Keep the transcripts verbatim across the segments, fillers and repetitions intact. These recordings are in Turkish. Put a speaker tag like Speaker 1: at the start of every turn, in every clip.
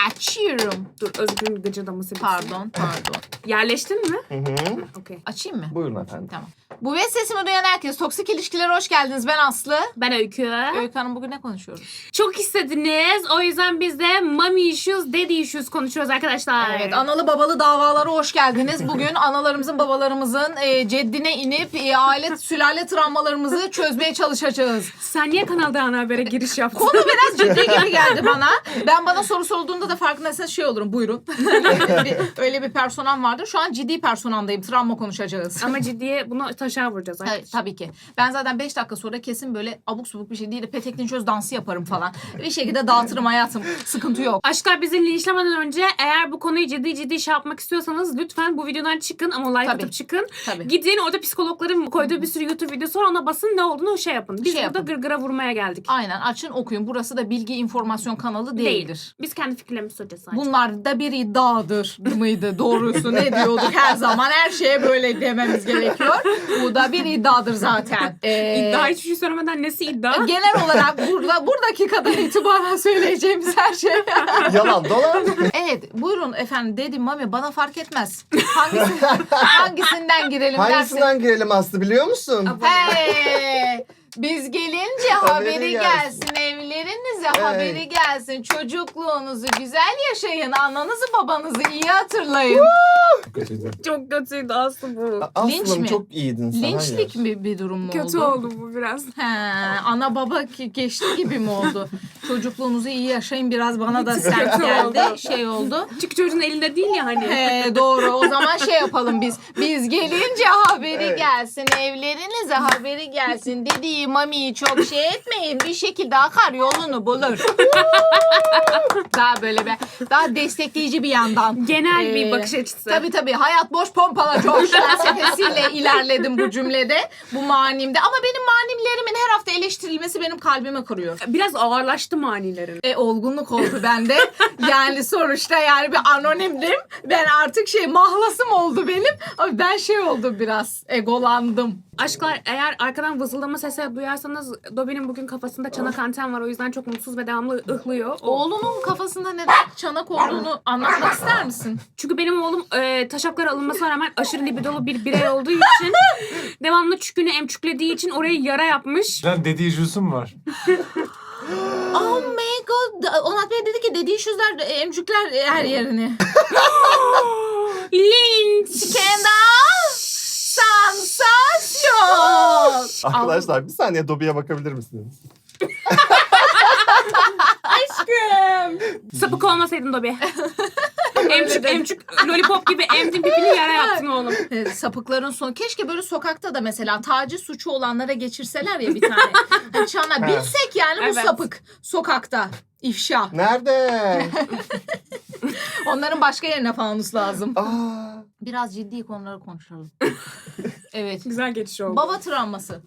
Speaker 1: Açıyorum.
Speaker 2: Dur Özgür'ün gıcırdaması bitsin.
Speaker 1: Pardon, pardon.
Speaker 2: Yerleştin mi?
Speaker 3: Hı hı.
Speaker 2: Okey.
Speaker 1: Açayım mı?
Speaker 3: Buyurun efendim.
Speaker 1: Tamam. Bu ve sesimi duyan herkes. Toksik ilişkilere hoş geldiniz. Ben Aslı.
Speaker 2: Ben Öykü.
Speaker 1: Öykü Hanım, bugün ne konuşuyoruz?
Speaker 2: Çok istediniz. O yüzden biz de mommy issues, daddy issues konuşuyoruz arkadaşlar.
Speaker 1: Evet, analı babalı davalara hoş geldiniz. Bugün analarımızın, babalarımızın e, ceddine inip e, aile, sülale travmalarımızı çözmeye çalışacağız.
Speaker 2: Sen niye kanalda ana habere giriş yaptın?
Speaker 1: Konu biraz ciddi gibi geldi bana. Ben bana soru sorulduğunda da farkındaysanız şey olurum. Buyurun. bir, öyle bir personam vardır. Şu an ciddi personamdayım. Travma konuşacağız.
Speaker 2: Ama ciddiye bunu taşa vuracağız.
Speaker 1: Evet, tabii ki. Ben zaten beş dakika sonra kesin böyle abuk subuk bir şey değil de petekli çöz dansı yaparım falan. Bir şekilde dağıtırım hayatım. Sıkıntı yok.
Speaker 2: Aşklar, bizi linçlemeden önce eğer bu konuyu ciddi ciddi şey yapmak istiyorsanız lütfen bu videodan çıkın ama like
Speaker 1: Tabii.
Speaker 2: atıp çıkın.
Speaker 1: Tabii.
Speaker 2: Gidin, orada psikologların koyduğu bir sürü YouTube videosu var, ona basın, ne olduğunu şey yapın. Biz
Speaker 1: Şey
Speaker 2: burada
Speaker 1: yapın.
Speaker 2: gırgıra vurmaya geldik.
Speaker 1: Aynen, açın okuyun. Burası da bilgi informasyon kanalı değildir.
Speaker 2: Değil. Biz kendi fikirlerimizi söyleyeceğiz sadece.
Speaker 1: Bunlar da bir iddiadır mıydı? Doğrusu ne diyorduk her zaman? Her şeye böyle dememiz gerekiyor. Bu da bir iddiadır zaten. Ee,
Speaker 2: İddia, hiçbir şey söylemeden nesi iddia?
Speaker 1: Genel olarak burada bu dakikadan itibaren söyleyeceğimiz her şey.
Speaker 3: Yalan dolan.
Speaker 1: Evet, buyurun efendim, dedim mami, bana fark etmez. Hangisi, hangisinden girelim dersin?
Speaker 3: Hangisinden girelim Aslı biliyor musun?
Speaker 1: Hey, biz gelince haberi,
Speaker 3: Haberi
Speaker 1: gelsin.
Speaker 3: gelsin.
Speaker 1: Evlerinize
Speaker 3: Evet.
Speaker 1: haberi gelsin. Çocukluğunuzu güzel yaşayın. Ananızı babanızı iyi hatırlayın.
Speaker 2: Çok kötüydü Aslı bu.
Speaker 1: Linç
Speaker 3: Aslım
Speaker 1: mi?
Speaker 3: çok iyiydin sen.
Speaker 1: Linçlik
Speaker 3: hayır.
Speaker 1: mi bir durum mu
Speaker 2: Kötü
Speaker 1: oldu?
Speaker 2: oldu bu biraz.
Speaker 1: He, ana baba ki- geçti gibi mi oldu? Çocukluğunuzu iyi yaşayın, biraz bana da sert
Speaker 2: Kötü
Speaker 1: geldi.
Speaker 2: oldu.
Speaker 1: Şey oldu.
Speaker 2: Çünkü çocuğun elinde değil ya hani.
Speaker 1: He, doğru. O zaman şey yapalım biz. Biz gelince haberi
Speaker 3: Evet.
Speaker 1: gelsin. Evlerinize haberi gelsin. Dediği mamiyi çok şey etmeyin. Bir şekilde akar yolunu bulur. Daha böyle bir, daha destekleyici bir yandan.
Speaker 2: Genel bir
Speaker 1: Ee,
Speaker 2: bakış açısı.
Speaker 1: Tabii tabii. Hayat boş pompala coş felsefesiyle ilerledim bu cümlede. Bu manimde. Ama benim manimlerimin her hafta eleştirilmesi benim kalbimi kırıyor.
Speaker 2: Biraz ağırlaştı manilerin.
Speaker 1: E, olgunluk oldu bende. Yani sonuçta yani bir anonimdim. Ben artık şey mahlasım oldu benim. Ama ben şey oldum, biraz egolandım.
Speaker 2: Aşklar, eğer arkadan vızıldama sesi duyarsanız Dobby'nin bugün kafasında çanak anten var. O yüzden çok mutsuz ve devamlı ıhlıyor. O-
Speaker 1: Oğlunun kafasında neden çanak olduğunu anlatmak ister misin?
Speaker 2: Çünkü benim oğlum e, taşaklara alınmasına rağmen aşırı libidolu bir birey olduğu için devamlı çükünü emçüklediği için oraya yara yapmış.
Speaker 4: Lan dediği jüsüm var.
Speaker 1: Oh my god. Onat Bey dedi ki dediği şuzlar emcükler her yerini.
Speaker 2: Linç!
Speaker 1: Skandal! Sansasyon!
Speaker 3: Arkadaşlar bir saniye Dobby'ye bakabilir misiniz?
Speaker 2: Aşkım! Sapık olmasaydın Dobby. emçük emçük lollipop gibi emdin pipini yara yaptın oğlum.
Speaker 1: Evet, sapıkların sonu. Keşke böyle sokakta da mesela taciz suçu olanlara geçirseler ya bir tane. Hani çana bilsek yani bu
Speaker 2: Evet.
Speaker 1: sapık sokakta. İfşa.
Speaker 3: Nerede?
Speaker 1: Onların başka yerine fanus lazım.
Speaker 3: Aa,
Speaker 1: Biraz ciddi konuları konuşalım. Evet.
Speaker 2: Güzel geçiş oldu.
Speaker 1: Baba travması.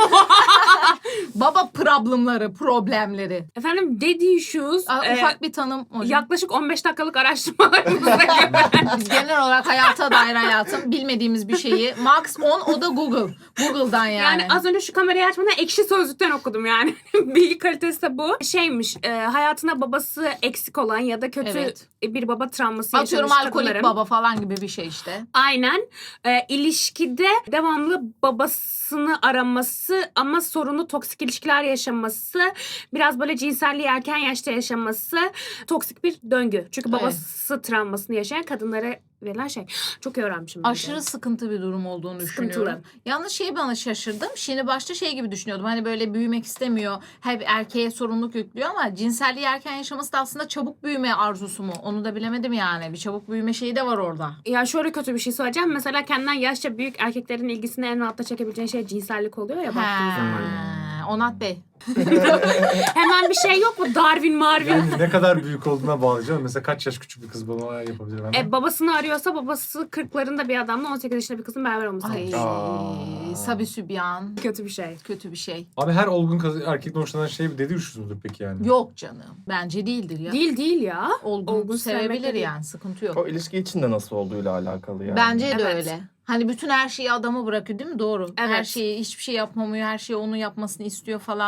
Speaker 1: Baba problemleri, problemleri.
Speaker 2: Efendim, daddy issues.
Speaker 1: Aa,
Speaker 2: e,
Speaker 1: ufak bir tanım hocam.
Speaker 2: yaklaşık on beş dakikalık araştırmalarımıza göre.
Speaker 1: Biz genel olarak hayata dair hayatım bilmediğimiz bir şeyi. Max on, o da Google. Google'dan yani.
Speaker 2: Yani az önce şu kamerayı açmadan Ekşi Sözlük'ten okudum yani. Bilgi kalitesi de bu. Şeymiş, e, hayatında babası eksik olan ya da kötü
Speaker 1: Evet.
Speaker 2: bir baba travması
Speaker 1: Atıyorum
Speaker 2: yaşamış
Speaker 1: alkolik
Speaker 2: kadınların.
Speaker 1: baba falan gibi bir şey işte.
Speaker 2: Aynen. E, ilişkide devamlı babasını araması ama sorunu toksik ilişkiler yaşaması, biraz böyle cinselliği erken yaşta yaşaması toksik bir döngü. Çünkü
Speaker 1: Evet.
Speaker 2: babası travmasını yaşayan kadınlara verilen şey. Çok iyi öğrenmişim. ben de.
Speaker 1: Aşırı sıkıntı bir durum olduğunu
Speaker 2: Sıkıntılı.
Speaker 1: düşünüyorum. Yalnız şey, bana şaşırdım. Şimdi başta şey gibi düşünüyordum. Hani böyle büyümek istemiyor. Hep erkeğe sorumluluk yüklüyor ama cinselliği erken yaşaması da aslında çabuk büyüme arzusu mu? Onu da bilemedim yani. Bir çabuk büyüme şeyi de var orada.
Speaker 2: Ya şöyle kötü bir şey söyleyeceğim. Mesela kendinden yaşça büyük erkeklerin ilgisini en rahatla çekebileceğin şey cinsellik oluyor ya baktığın zaman.
Speaker 1: He, Onat Bey.
Speaker 2: Hemen bir şey yok mu? Darwin, Marvin.
Speaker 4: Yani ne kadar büyük olduğuna bağlayacağım. Mesela kaç yaş küçük bir kız bana yapabilir hemen.
Speaker 2: E, babasını arıyorsa babası kırklarında bir adamla on sekiz yaşında bir kızın beraber olması
Speaker 1: Ay,
Speaker 2: gerekiyor.
Speaker 3: Aa.
Speaker 1: Sabi sübyan.
Speaker 2: Kötü bir şey.
Speaker 1: Kötü bir şey.
Speaker 4: Abi her olgun kız, erkekten hoşlanan şey bir dediği üşüz müdür peki yani?
Speaker 1: Yok canım. Bence değildir ya.
Speaker 2: Değil değil ya.
Speaker 1: Olgun,
Speaker 2: Olgun sevmekle
Speaker 1: sevebilir
Speaker 2: değil.
Speaker 1: yani. Sıkıntı yok.
Speaker 3: o ilişki içinde nasıl olduğuyla alakalı yani.
Speaker 1: Bence de
Speaker 2: Evet.
Speaker 1: öyle. Hani bütün her şeyi adama bırakıyor değil mi? Doğru. Her
Speaker 2: Evet.
Speaker 1: şeyi, hiçbir şey yapmamıyor. Her şeyi onun yapmasını istiyor falan.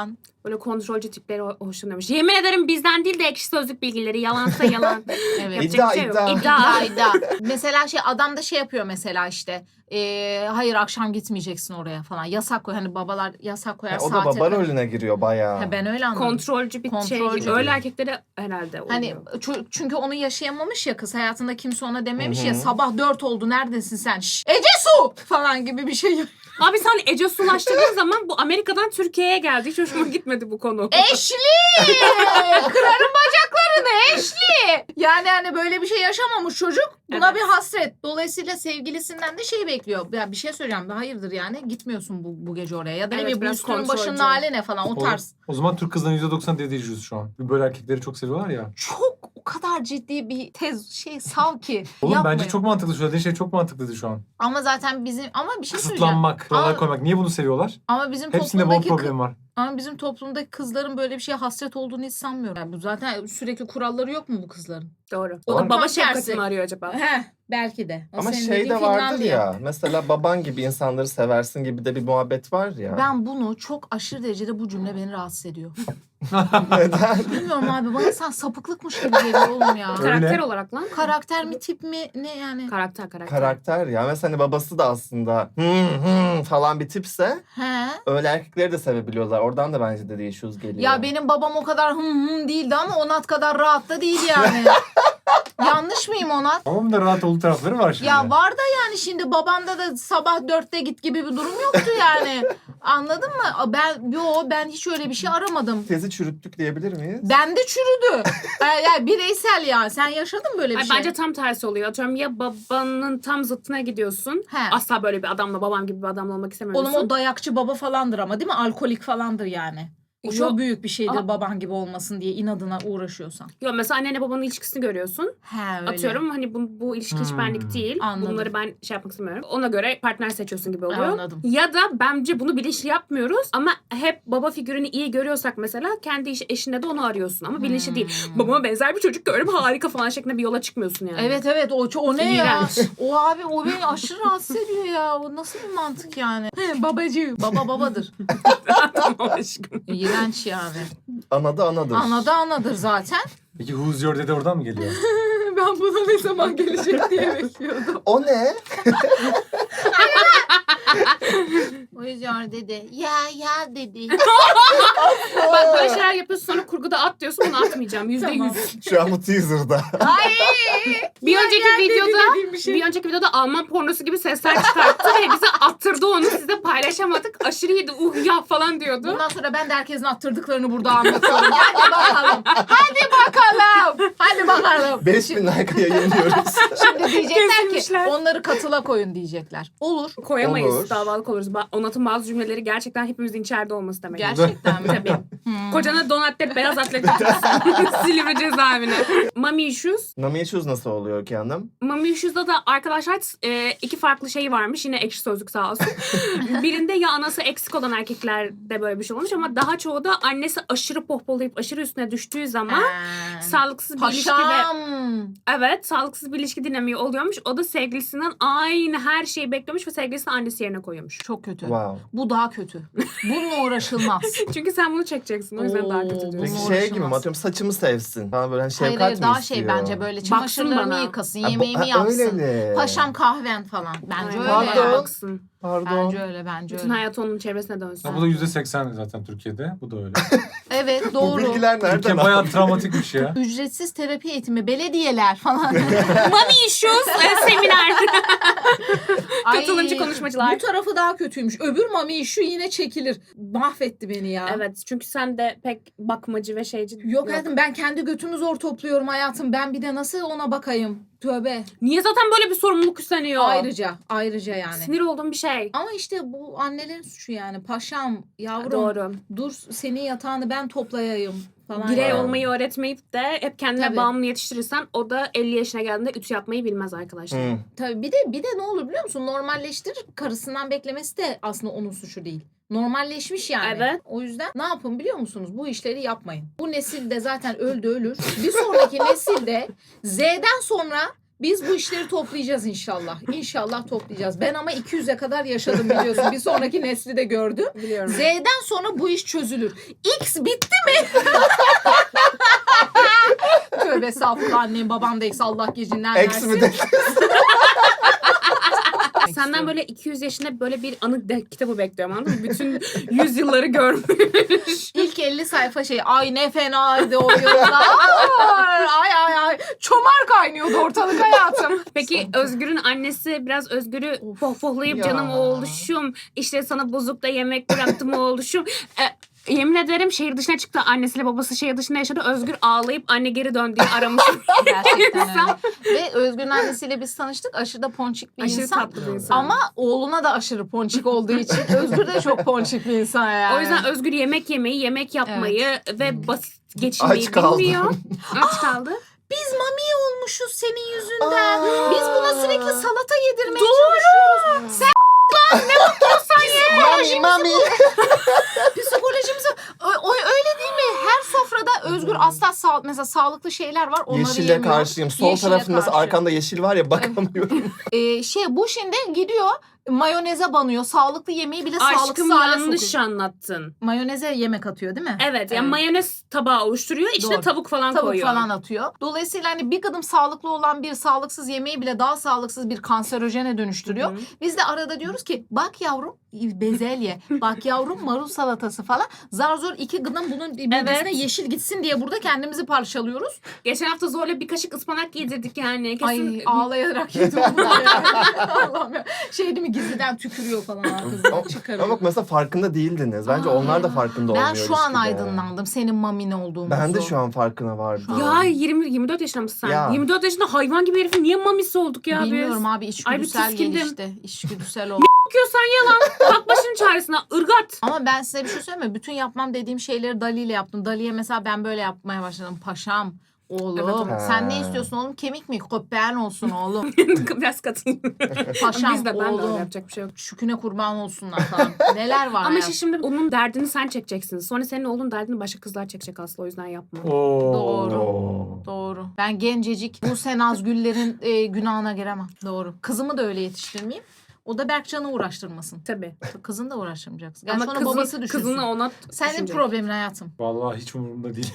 Speaker 2: Böyle kontrolcü tipleri ho- hoşlanıyormuş. Yemin ederim bizden değil de Ekşi Sözlük bilgileri. Yalansa yalan.
Speaker 1: Evet.
Speaker 2: Yapacak
Speaker 3: İddia,
Speaker 2: bir şey yok.
Speaker 3: iddia.
Speaker 2: İddia.
Speaker 1: İddia, iddia. Mesela şey adam da şey yapıyor mesela işte. E, hayır akşam gitmeyeceksin oraya falan. Yasak koy. Hani babalar yasak koyar
Speaker 3: Ha, o da
Speaker 1: saate.
Speaker 3: baba rolüne giriyor bayağı.
Speaker 1: Ha, ben öyle anladım.
Speaker 2: Kontrolcü bir
Speaker 1: Kontrolcü.
Speaker 2: şey. Öyle erkeklere herhalde oluyor.
Speaker 1: Hani ço- çünkü onu yaşayamamış ya kız. Hayatında kimse ona dememiş
Speaker 3: Hı hı.
Speaker 1: ya sabah dört oldu neredesin sen? Şş, Ece Su falan gibi bir şey.
Speaker 2: Abi sen Ece Sulaştırdığın zaman bu Amerika'dan Türkiye'ye geldi. Hiç hoşuma gitmedi bu konu.
Speaker 1: Eşli! Kırarım bacaklarını Eşli! Yani hani böyle bir şey yaşamamış çocuk. Buna
Speaker 2: Evet.
Speaker 1: bir hasret. Dolayısıyla sevgilisinden de şey bekliyor. Ya bir şey söyleyeceğim. Hayırdır yani gitmiyorsun bu, bu gece oraya. Ya da ne
Speaker 2: Evet,
Speaker 1: bileyim bu
Speaker 2: biraz
Speaker 1: üstünün
Speaker 2: kontrolcü.
Speaker 1: başının hali ne falan o
Speaker 4: O,
Speaker 1: tarz.
Speaker 4: o zaman Türk kızlarının yüzde doksan dediği yüz şu an. Böyle erkekleri çok seviyorlar ya.
Speaker 1: Çok o kadar ciddi bir tez şey sav ki.
Speaker 4: Oğlum
Speaker 1: yapmayın.
Speaker 4: bence çok mantıklı. Söylediğin şey çok mantıklıydı şu an.
Speaker 1: Ama zaten bizim ama bir şey söyleyeceğim.
Speaker 4: Kısıtlanmak, kurallar
Speaker 1: Aa.
Speaker 4: koymak. Niye bunu seviyorlar?
Speaker 1: Ama bizim
Speaker 4: Hepsinde bol
Speaker 1: toplumdaki
Speaker 4: problem var.
Speaker 1: ama bizim toplumdaki kızların böyle bir şeye hasret olduğunu hiç sanmıyorum. Yani bu zaten sürekli kuralları yok mu bu kızların?
Speaker 2: Doğru.
Speaker 1: O
Speaker 2: O
Speaker 1: da
Speaker 2: da baba
Speaker 1: tam
Speaker 2: şefkati
Speaker 1: tersi.
Speaker 2: mi arıyor acaba?
Speaker 1: Heh, belki de. O
Speaker 3: Ama
Speaker 1: senin
Speaker 3: şey
Speaker 1: dediğin
Speaker 3: de vardır
Speaker 1: Finlandiya.
Speaker 3: ya. Mesela baban gibi insanları seversin gibi de bir muhabbet var ya.
Speaker 1: Ben bunu çok aşırı derecede bu cümle beni rahatsız ediyor.
Speaker 3: Neden?
Speaker 1: Bilmiyorum abi bana sen sapıklıkmış gibi geliyor oğlum ya.
Speaker 4: Öyle.
Speaker 2: Karakter olarak lan.
Speaker 1: Karakter mi tip mi ne yani?
Speaker 2: Karakter karakter.
Speaker 3: Karakter ya. Mesela hani babası da aslında hı hı falan bir tipse
Speaker 1: He.
Speaker 3: öyle erkekleri de sevebiliyorlar. Oradan da bence de issues geliyor.
Speaker 1: Ya benim babam o kadar hım hım değildi ama Onat kadar rahat da değil yani. Yanlış mıyım Onat?
Speaker 4: Babamın da rahat olduğu tarafları var şimdi.
Speaker 1: Ya var da yani şimdi babanda da sabah dörtte git gibi bir durum yoktu yani. Anladın mı? Ben yo ben hiç öyle bir şey aramadım.
Speaker 3: Tezi çürüttük diyebilir miyiz?
Speaker 1: Bende çürüdü. Yani, yani bireysel ya. Sen yaşadın mı böyle bir
Speaker 2: Ay,
Speaker 1: şey?
Speaker 2: bence tam tersi oluyor. Atıyorum ya babanın tam zıttına gidiyorsun.
Speaker 1: He.
Speaker 2: Asla böyle bir adamla babam gibi bir adamla olmak istemiyorsun.
Speaker 1: Oğlum o dayakçı baba falandır ama değil mi? Alkolik falandır yani. O çok
Speaker 2: Yok.
Speaker 1: büyük bir şeydir
Speaker 2: Aa.
Speaker 1: baban gibi olmasın diye inadına uğraşıyorsan.
Speaker 2: Yok mesela annenle babanın ilişkisini görüyorsun.
Speaker 1: He öyle.
Speaker 2: Atıyorum hani bu, bu ilişki hiç
Speaker 4: Hmm.
Speaker 2: benlik değil.
Speaker 1: Anladım.
Speaker 2: Bunları ben şey yapmak istemiyorum. Ona göre partner seçiyorsun gibi oluyor.
Speaker 1: Anladım.
Speaker 2: Ya da bence bunu bilinçli yapmıyoruz ama hep baba figürünü iyi görüyorsak mesela kendi iş, eşinde de onu arıyorsun ama bilinçli değil.
Speaker 1: Hmm.
Speaker 2: Babama benzer bir çocuk gördüm harika falan şeklinde bir yola çıkmıyorsun yani.
Speaker 1: Evet evet o, o ne ya?
Speaker 2: İğrenç.
Speaker 1: O abi o beni aşırı rahatsız ediyor ya. O nasıl bir mantık yani? Babacı. Baba babadır.
Speaker 2: Tamam aşkım.
Speaker 1: İğrenç yani.
Speaker 3: Anadı anadır.
Speaker 1: Anada anadır zaten.
Speaker 4: Peki Who's Your Daddy oradan mı geliyor?
Speaker 1: Ben buna ne zaman gelecek diye bekliyordum.
Speaker 3: O ne?
Speaker 1: O yüzden dedi. Ya ya dedi.
Speaker 2: Bak böyle şeyler yapıyorsun sonra kurguda at diyorsun bunu atmayacağım. Yüzde
Speaker 1: Tamam.
Speaker 2: yüz.
Speaker 3: Şu an bu teaser'da.
Speaker 1: Ay.
Speaker 2: Bir önceki
Speaker 1: dedi
Speaker 2: videoda
Speaker 1: dediğim bir şey.
Speaker 2: bir önceki videoda Alman pornosu gibi sesler çıkarttı ve bize attırdı onu. Size paylaşamadık. Aşırı iyiydi. Uh ya falan diyordu.
Speaker 1: Bundan sonra ben de herkesin attırdıklarını burada anlatıyorum. Hadi bakalım. Hadi bakalım. Hadi bakalım.
Speaker 3: beş bin like yayınlıyoruz.
Speaker 1: Şimdi diyecekler ki
Speaker 2: Kesilmişler.
Speaker 1: onları katıla koyun diyecekler. Olur.
Speaker 2: Koyamayız.
Speaker 3: Olur.
Speaker 2: Davalık oluruz. Ba- Onat'ın bazı cümleleri gerçekten hepimizin içeride olması demek.
Speaker 1: Gerçekten mi?
Speaker 2: Tabii.
Speaker 1: Hmm.
Speaker 2: Kocana don atlet, beyaz atlet götürsün. Silivri cezaevine. Mommy issues.
Speaker 3: Nami issues nasıl oluyor ki hanım?
Speaker 2: Mommy issues'da da arkadaşlar e, iki farklı şey varmış. Yine Ekşi Sözlük sağ olsun. Birinde ya anası eksik olan erkeklerde böyle bir şey olmuş ama daha çoğu da annesi aşırı pohpolayıp aşırı üstüne düştüğü zaman
Speaker 1: Ee,
Speaker 2: sağlıksız bir ilişki ve
Speaker 1: Paşam.
Speaker 2: evet sağlıksız bir ilişki dinamiği oluyormuş. O da sevgilisinden aynı her şeyi bekliyormuş ve sevgilisini annesi yerine koyuyormuş.
Speaker 1: Çok kötü.
Speaker 3: Wow.
Speaker 1: Bu daha kötü. Bununla uğraşılmaz.
Speaker 2: Çünkü sen bunu çekeceksin. O yüzden daha kötü
Speaker 1: Oo,
Speaker 2: diyorsun.
Speaker 3: Peki
Speaker 1: Bununla
Speaker 3: şey gibi mi
Speaker 1: uğraşamaz.
Speaker 3: atıyorum saçımı sevsin. Bana böyle hani
Speaker 1: Hayır
Speaker 3: şefkat
Speaker 1: hayır
Speaker 3: mi
Speaker 1: daha
Speaker 3: istiyor?
Speaker 1: şey bence böyle
Speaker 2: Baksın
Speaker 1: çamaşırlarımı
Speaker 2: bana.
Speaker 1: yıkasın,
Speaker 3: Ha, bu-
Speaker 1: yemeğimi
Speaker 3: ha,
Speaker 1: yapsın.
Speaker 3: öyle.
Speaker 1: Paşam kahven falan. Bence
Speaker 2: Aynen.
Speaker 1: öyle.
Speaker 3: Pardon.
Speaker 2: Baksın.
Speaker 3: Pardon.
Speaker 1: Bence öyle bence
Speaker 2: Bütün
Speaker 1: öyle.
Speaker 2: hayatı onun çevresine dönsün.
Speaker 4: Ya bu da yüzde seksen zaten Türkiye'de. Bu da öyle.
Speaker 1: Evet
Speaker 3: Bu
Speaker 1: doğru.
Speaker 3: bilgiler nereden?
Speaker 4: Türkiye bayağı travmatikmiş ya.
Speaker 1: Ücretsiz terapi eğitimi, belediyeler falan.
Speaker 2: Mommy issues e, seminer.
Speaker 1: Ay,
Speaker 2: Katılımcı konuşmacılar.
Speaker 1: Bu tarafı daha kötüymüş. Öbür mami şu yine çekilir. Mahvetti beni ya.
Speaker 2: Evet çünkü sen de pek bakmacı ve şeyci
Speaker 1: Yok hayatım ben kendi götümü zor topluyorum hayatım. Ben bir de nasıl ona bakayım? Tövbe.
Speaker 2: Niye zaten böyle bir sorumluluk üstleniyor?
Speaker 1: Ayrıca, ayrıca yani.
Speaker 2: Sinir olduğum bir şey.
Speaker 1: Ama işte bu annelerin suçu yani. Paşam, yavrum
Speaker 2: Doğru.
Speaker 1: dur senin yatağını ben toplayayım falan.
Speaker 2: Birey
Speaker 3: Yani.
Speaker 2: olmayı öğretmeyip de hep kendine
Speaker 1: Tabii.
Speaker 2: bağımlı yetiştirirsen o da elli yaşına geldiğinde ütü yapmayı bilmez arkadaşlar.
Speaker 3: Hı.
Speaker 1: Tabii bir de bir de ne olur biliyor musun? Normalleştirir. Karısından beklemesi de aslında onun suçu değil. Normalleşmiş yani.
Speaker 2: Evet.
Speaker 1: O yüzden ne yapın biliyor musunuz? Bu işleri yapmayın. Bu nesil de zaten öldü ölür. Bir sonraki nesilde Z'den sonra Biz bu işleri toplayacağız inşallah. İnşallah toplayacağız. Ben ama iki yüze kadar yaşadım biliyorsun. Bir sonraki nesli de gördüm.
Speaker 2: Biliyorum.
Speaker 1: Z'den sonra bu iş çözülür. X bitti mi? Tövbe estağfurullah, annem babam da X, Allah gecinden
Speaker 3: Eksi mi
Speaker 1: versin.
Speaker 3: de?
Speaker 2: Senden böyle iki yüz yaşında böyle bir anı de- kitabı bekliyorum, anladın mı? Bütün yüzyılları görmüş.
Speaker 1: İlk elli sayfa şey, ay ne fenaydı o yıllar. Ay ay ay. Çomar kaynıyordu ortalık hayatım.
Speaker 2: Peki Özgür'ün annesi biraz Özgür'ü pohpohlayıp
Speaker 3: Ya.
Speaker 2: canım oğluşum, işte sana bozukta yemek bıraktım oğluşum. E, yemin ederim şehir dışına çıktı. Annesiyle babası şehir dışında yaşadı. Özgür ağlayıp anne geri dön diye aramış.
Speaker 1: Gerçekten öyle. Ve Özgür'ün annesiyle biz tanıştık. Aşırı da ponçik bir
Speaker 2: Aşırı
Speaker 1: insan.
Speaker 2: tatlı bir insan.
Speaker 1: Ama oğluna da aşırı ponçik olduğu için Özgür de çok ponçik bir insan yani.
Speaker 2: O yüzden Özgür yemek yemeyi, yemek yapmayı ve basit geçinmeyi
Speaker 3: Aç kaldım.
Speaker 2: bilmiyor. Aç kaldı.
Speaker 1: biz mami olmuşuz senin yüzünden.
Speaker 3: Aa.
Speaker 1: Biz buna sürekli salata yedirmeye çalışıyoruz. Sen
Speaker 3: Mami mami.
Speaker 1: psikolojimizi o, o öyle değil mi? Her sofrada Özgür asla sağ, mesela sağlıklı şeyler var. Onları
Speaker 3: Yeşile
Speaker 1: yemiyor.
Speaker 3: karşıyım. Sol
Speaker 1: Yeşile
Speaker 3: tarafın mesela
Speaker 1: karşı.
Speaker 3: arkanda yeşil var ya, bakamıyorum.
Speaker 1: Ee, şey bu şimdi gidiyor mayoneze banıyor. Sağlıklı yemeği bile sağlıksız
Speaker 2: Aşkım
Speaker 1: hale
Speaker 2: yanlış
Speaker 1: sokuyor.
Speaker 2: anlattın.
Speaker 1: Mayoneze yemek atıyor değil mi?
Speaker 2: Evet, yani mayonez tabağı oluşturuyor, içine
Speaker 1: Doğru.
Speaker 2: tavuk falan
Speaker 1: Tavuk
Speaker 2: koyuyor.
Speaker 1: falan atıyor. Dolayısıyla hani bir kadın sağlıklı olan bir sağlıksız yemeği bile daha sağlıksız bir kanserojene dönüştürüyor.
Speaker 2: Hı hı.
Speaker 1: Biz de arada diyoruz ki bak yavrum bezelye, bak yavrum marul salatası falan. Zar zor iki gıdım bunun birbirine
Speaker 2: Evet.
Speaker 1: yeşil gitsin diye burada kendimizi parçalıyoruz.
Speaker 2: Geçen hafta zorla bir kaşık ıspanak yedirdik yani. Kesin...
Speaker 1: Ay ağlayarak yedim bunu ya. Allah'ım ya. Şey değil mi, gizliden tükürüyor falan ağzından
Speaker 3: Ama
Speaker 1: çıkarıyor.
Speaker 3: bak mesela farkında değildiniz. Bence
Speaker 1: Aa.
Speaker 3: onlar da farkında olmuyor
Speaker 1: Ben şu an
Speaker 3: ilişkide.
Speaker 1: aydınlandım senin mamine olduğumuzu.
Speaker 3: Ben de şu an farkına vardım.
Speaker 2: Ya yirmi yirmi dört yaşında mısın sen?
Speaker 3: Ya.
Speaker 2: yirmi dört yaşında hayvan gibi herifin niye mamisi olduk ya
Speaker 1: Bilmiyorum
Speaker 2: biz?
Speaker 1: abi,
Speaker 2: Ay bir
Speaker 1: içgüdüsel
Speaker 2: tiskindim.
Speaker 1: gelişti. İçgüdüsel oldu.
Speaker 2: Bakıyorsan yalan. Bak başının çaresine ırgat.
Speaker 1: Ama ben size bir şey söyleyeyim mi? Bütün yapmam dediğim şeyleri Dali ile yaptım. Dali'ye mesela ben böyle yapmaya başladım. Paşam, oğlum.
Speaker 2: Evet, evet.
Speaker 1: Sen ne
Speaker 3: Ha.
Speaker 1: istiyorsun oğlum? Kemik mi? Köpeğin olsun oğlum.
Speaker 2: Biraz katılıyorum.
Speaker 1: Paşam,
Speaker 2: Biz de ben de öyle
Speaker 1: oğlum.
Speaker 2: yapacak bir şey yok.
Speaker 1: Şüküne kurban olsunlar falan. Neler var
Speaker 2: Ama
Speaker 1: ya.
Speaker 2: işte şimdi onun derdini sen çekeceksin. Sonra senin oğlun derdini başka kızlar çekecek aslında, o yüzden yapma.
Speaker 4: Oo.
Speaker 1: Doğru.
Speaker 3: Oo.
Speaker 1: Doğru. Ben gencecik bu Senazgüllerin e, günahına giremem. Doğru. Kızımı da öyle yetiştirmeyeyim. O da Berkcan'ı uğraştırmasın.
Speaker 2: Tabii.
Speaker 1: Kızını da uğraştırmayacaksın. Gerçi
Speaker 2: Ama
Speaker 1: onu
Speaker 2: kızın,
Speaker 1: babası düşünsün.
Speaker 2: kızını ona
Speaker 1: Senin
Speaker 2: düşünecek.
Speaker 1: problemin hayatım.
Speaker 4: Vallahi hiç umurumda değil.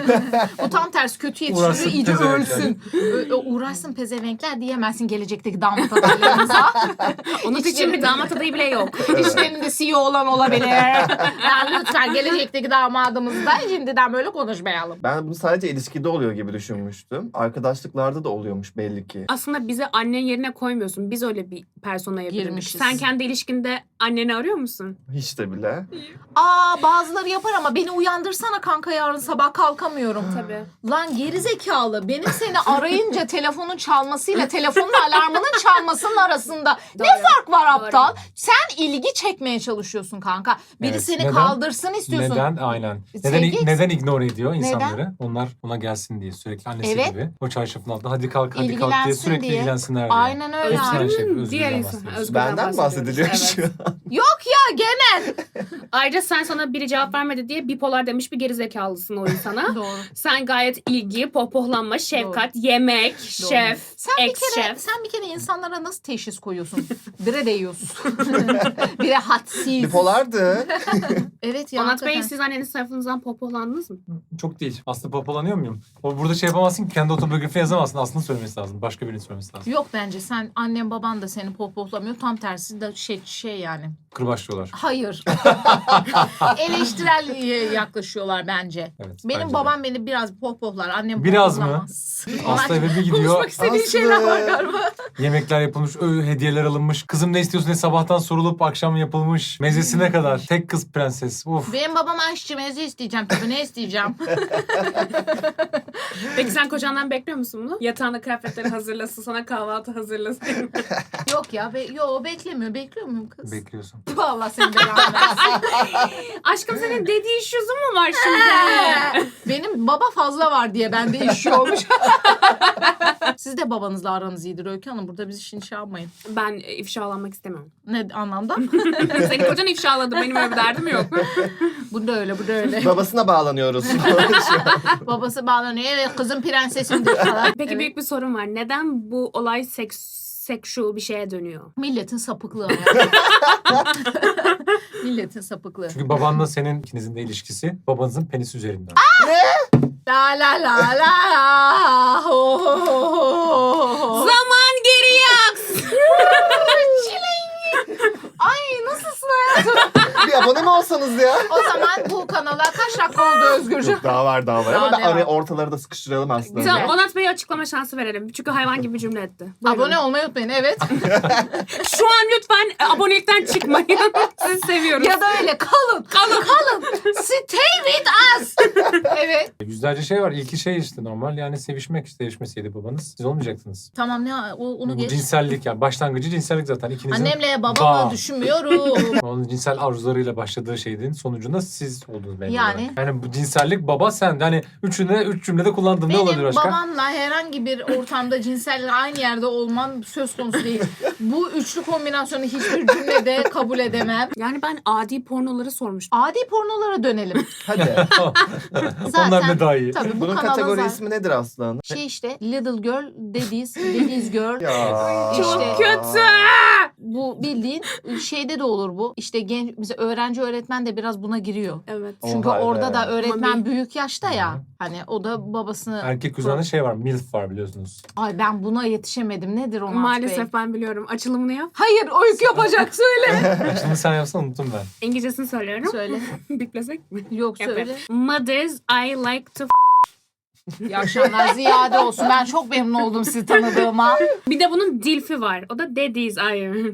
Speaker 1: O tam tersi, kötü
Speaker 4: Uğraşsın
Speaker 1: yetiştiriyor, iyice
Speaker 4: pezevenkler.
Speaker 1: ölsün. Ö- ö- uğraşsın pezevenkler diyemezsin gelecekteki damat adaylarımıza.
Speaker 2: Onun için bir damat adayı bile yok.
Speaker 1: İşlerinde C E O olan olabilir. Yani lütfen gelecekteki damadımızda şimdiden böyle konuşmayalım.
Speaker 3: Ben bunu sadece ilişkide oluyor gibi düşünmüştüm. Arkadaşlıklarda da oluyormuş belli ki.
Speaker 2: Aslında bizi annen yerine koymuyorsun. Biz öyle bir personaya büründük.
Speaker 1: Girmişiz.
Speaker 2: Sen kendi ilişkinde anneni arıyor musun?
Speaker 3: Hiç de bile.
Speaker 1: Aa, bazıları yapar ama beni uyandırsana kanka, yarın sabah kalkamıyorum.
Speaker 2: Tabii.
Speaker 1: Lan gerizekalı, benim seni arayınca telefonun çalmasıyla telefonun alarmının çalmasının arasında ne fark var aptal? Sen ilgi çekmeye çalışıyorsun kanka. Biri
Speaker 4: Evet,
Speaker 1: seni
Speaker 4: neden?
Speaker 1: kaldırsın istiyorsun.
Speaker 4: Neden? Aynen. Neden,
Speaker 1: Sevgi-
Speaker 4: neden ignore ediyor insanları? Onlar ona gelsin diye sürekli annesi
Speaker 1: Evet.
Speaker 4: gibi. O çarşafın altında hadi kalk hadi kalk diye
Speaker 1: İlgilensin
Speaker 4: sürekli
Speaker 1: diye.
Speaker 4: ilgilensinler diye.
Speaker 1: Aynen öyle.
Speaker 4: Hepsi
Speaker 1: abi.
Speaker 4: aynı şey.
Speaker 2: Özgür'ün
Speaker 4: Özgür'den
Speaker 2: diğer insan.
Speaker 4: bahsediyorsun.
Speaker 2: Özgür'den
Speaker 3: Benden bahsediliyor
Speaker 2: bahsediyoruz.
Speaker 3: şu
Speaker 2: Evet.
Speaker 3: an.
Speaker 1: Yok ya gene.
Speaker 2: Ayrıca sen sana biri cevap vermedi diye bipolar demiş bir gerizekalısın o insana.
Speaker 1: Doğru.
Speaker 2: Sen gayet ilgi, pohpohlanma, şefkat, yemek,
Speaker 1: Doğru.
Speaker 2: şef,
Speaker 1: Sen bir kere
Speaker 2: ex-şef.
Speaker 1: sen bir kere insanlara nasıl teşhis koyuyorsun? Bire değiyorsun. Bire hadsiz.
Speaker 3: Bipolardı.
Speaker 1: Evet ya.
Speaker 2: Onat Bey,
Speaker 1: hakikaten.
Speaker 2: siz anneniz tarafınızdan pohpohlandınız mı?
Speaker 4: Çok değil. Aslında popolanıyor muyum? O burada şey yapamazsın ki, kendi otobiyografini yazamazsın. Aslında söylemesi lazım. Başka birinin söylemesi lazım.
Speaker 1: Yok, bence sen, annen baban da seni pohpohlamıyor. Tam tersi de şey şey yani.
Speaker 4: Kırbaçlıyorlar.
Speaker 1: Hayır. Eleştirel yaklaşıyorlar bence.
Speaker 4: Evet,
Speaker 1: Benim
Speaker 4: bence de.
Speaker 1: babam beni biraz pohpohlar. Annem
Speaker 4: Biraz mı?
Speaker 1: pohpohlamaz.
Speaker 4: Hasta eve bir gidiyor.
Speaker 1: Konuşmak istediğin
Speaker 3: Aslı.
Speaker 1: şeyler var galiba.
Speaker 4: Yemekler yapılmış, ö, hediyeler alınmış. Kızım ne istiyorsun diye sabahtan sorulup akşam yapılmış. Mezesine kadar. Tek kız prenses. Uf.
Speaker 1: Benim babam aşçı, meze isteyeceğim tabii, ne isteyeceğim?
Speaker 2: Peki sen kocandan bekliyor musun bunu? Yatağında kıyafetleri hazırlasın, sana kahvaltı hazırlasın.
Speaker 1: Yok ya, be yo beklemiyor. Bekliyor muyum kız?
Speaker 4: Bekliyorsun.
Speaker 1: Vallahi seni belanı versin.
Speaker 2: Aşkım senin dediği şuzu mu var şimdi?
Speaker 1: Benim baba fazla var diye bende iş olmuş. Siz de babanızla aranız iyidir Öykü Hanım. Burada bizi şimdi şey yapmayın.
Speaker 2: Ben e, ifşalanmak istemiyorum.
Speaker 1: Ne anlamda?
Speaker 2: Senin kocan ifşaladı. Benim öyle bir derdim yok.
Speaker 1: Bu da öyle, bu da öyle.
Speaker 3: Babasına bağlanıyoruz.
Speaker 1: Babası bağlanıyor. Evet kızım prensesimdir falan.
Speaker 2: Peki
Speaker 1: Evet.
Speaker 2: büyük bir sorun var. Neden bu olay seks sexual bir şeye dönüyor?
Speaker 1: Milletin sapıklığı yani. Milletin sapıklığı.
Speaker 4: Çünkü babanla senin ikinizin de ilişkisi babanızın penisi üzerinden.
Speaker 1: La la la la la. Ho, ho, ho, ho, ho.
Speaker 2: Zaman geriye aksın.
Speaker 1: Ay nasılsın hayatım?
Speaker 3: Bir abone mi olsanız ya?
Speaker 1: O zaman bu kanala kaç dakika oldu Özgürcüğüm?
Speaker 3: Yok, daha var daha var
Speaker 1: Daha
Speaker 3: ama ben
Speaker 1: devam.
Speaker 3: araya ortaları da sıkıştıralım aslında.
Speaker 1: Güzel.
Speaker 2: Tamam, Onat Bey'e açıklama şansı verelim. Çünkü hayvan gibi bir cümle etti. Buyurun.
Speaker 1: Abone olmayı unutmayın evet.
Speaker 2: Şu an lütfen e, abonelikten çıkmayın. Sizi seviyoruz.
Speaker 1: Ya da öyle kalın. Kalın. Kalın. Stay with us. Evet.
Speaker 4: Yüzlerce şey var. İlki şey işte normal yani sevişmek. Sevişmeseydi babanız siz olmayacaktınız.
Speaker 1: Tamam ne o, onu
Speaker 4: Bu
Speaker 1: geç.
Speaker 4: cinsellik yani başlangıcı cinsellik zaten ikinizin.
Speaker 1: Annemle babamı
Speaker 4: Bağ.
Speaker 1: düşünmüyorum.
Speaker 4: Onun cinsel arzularıyla başladığı şeyin sonucunda siz oldunuz benim
Speaker 1: Yani?
Speaker 4: olarak. Yani bu cinsellik baba sen. Yani üçüne üç cümlede kullandın ne olabilir
Speaker 1: Benim
Speaker 4: başka?
Speaker 1: babamla herhangi bir ortamda cinsel aynı yerde olmam söz konusu değil. Bu üçlü kombinasyonu hiçbir cümlede kabul edemem.
Speaker 2: Yani ben adi pornoları sormuştum.
Speaker 1: Adi pornolara dönelim.
Speaker 3: Hadi.
Speaker 4: Onlar ne daha iyi.
Speaker 1: Tabii bu
Speaker 3: Bunun
Speaker 1: kanalın
Speaker 3: kategori
Speaker 1: zaten
Speaker 3: ismi nedir aslan?
Speaker 1: şey işte Little Girl, Daddy's, Daddy's Girl.
Speaker 3: Ya.
Speaker 1: Çok
Speaker 2: Çok
Speaker 1: İşte-
Speaker 2: kötü.
Speaker 1: Bu bildiğin şeyde de olur bu. İşte genç, bize öğrenci öğretmen de biraz buna giriyor.
Speaker 2: Evet.
Speaker 1: Çünkü
Speaker 3: Oha,
Speaker 1: orada
Speaker 3: evet.
Speaker 1: da öğretmen
Speaker 2: Mami.
Speaker 1: büyük yaşta ya.
Speaker 4: Hı.
Speaker 1: Hani o da babasını...
Speaker 4: Erkek kuzeninde şey var. MILF var biliyorsunuz.
Speaker 1: Ay ben buna yetişemedim. Nedir Onat Bey?
Speaker 2: Maalesef ben biliyorum. Açılımını yap.
Speaker 1: Hayır öykü yapacak söyle.
Speaker 4: Şimdi sen yapsan unuttum ben.
Speaker 2: İngilizcesini söylüyorum.
Speaker 1: söyle.
Speaker 2: Biplesek mi?
Speaker 1: Yok söyle.
Speaker 2: Yapayım. Mothers I like to f-
Speaker 1: İyi akşamlar ziyade olsun. Ben çok memnun oldum sizi tanıdığıma.
Speaker 2: Bir de bunun dilfi var. O da daddies I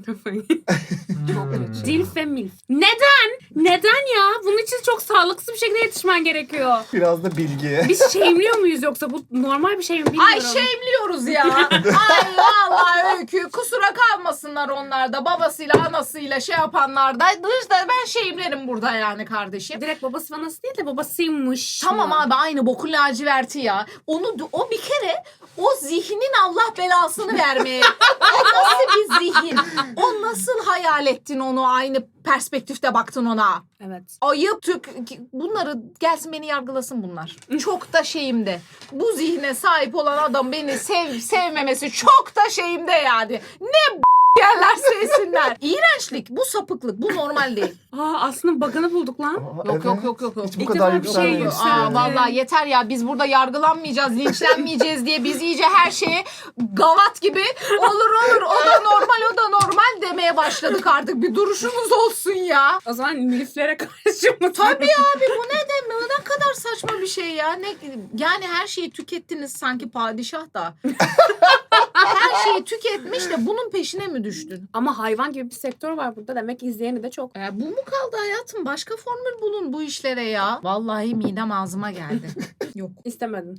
Speaker 1: Çok kötü.
Speaker 2: Dilf ve milf. Neden? Neden ya? Bunun için çok sağlıksız bir şekilde yetişmen gerekiyor.
Speaker 3: Biraz da bilgi.
Speaker 2: Biz shame'liyor muyuz yoksa? Bu normal bir şey mi bilmiyorum.
Speaker 1: Ay şeyimliyoruz ya. Ay vallahi öykü. Kusura kalmasınlar onlar da. Babasıyla anasıyla şey yapanlar da. Dışta ben şeyimlerim burada yani kardeşim.
Speaker 2: Direkt babası fanası değil de babasıymış.
Speaker 1: Tamam
Speaker 2: mı?
Speaker 1: abi aynı bokun laciverti ya. Onu o bir kere o zihnin Allah belasını vermeye. O nasıl bir zihin? O nasıl hayal ettin onu aynı perspektifte baktın ona?
Speaker 2: Evet.
Speaker 1: Ayıp tük bunları gelsin beni yargılasın bunlar. Çok da şeyimde. Bu zihne sahip olan adam beni sev sevmemesi çok da şeyimde yani. Ne b- yerler sevsinler. İğrençlik, bu sapıklık, bu normal değil.
Speaker 2: Aa aslında bug'ını bulduk lan.
Speaker 3: Aa,
Speaker 1: Yok yok yok yok yok.
Speaker 3: Hiç bu
Speaker 2: İlk
Speaker 3: kadar
Speaker 2: defa bir şey
Speaker 3: yükselmemiş.
Speaker 2: yükseldi.
Speaker 1: Aa, vallahi yeter ya biz burada yargılanmayacağız, linçlenmeyeceğiz diye biz iyice her şeye gavat gibi olur olur o da normal o da normal demeye başladık artık. Bir duruşumuz olsun ya.
Speaker 2: O zaman miliflere karşı mı?
Speaker 1: Tabii abi bu ne demek? Ne kadar saçma bir şey ya. Ne yani her şeyi tükettiniz sanki padişah da. Her şeyi tüketmiş de bunun peşine mi düştün?
Speaker 2: Ama hayvan gibi bir sektör var burada. Demek ki izleyeni de çok.
Speaker 1: E, bu mu kaldı hayatım? Başka formül bulun bu işlere ya. Vallahi midem ağzıma geldi. Yok.
Speaker 2: İstemedim.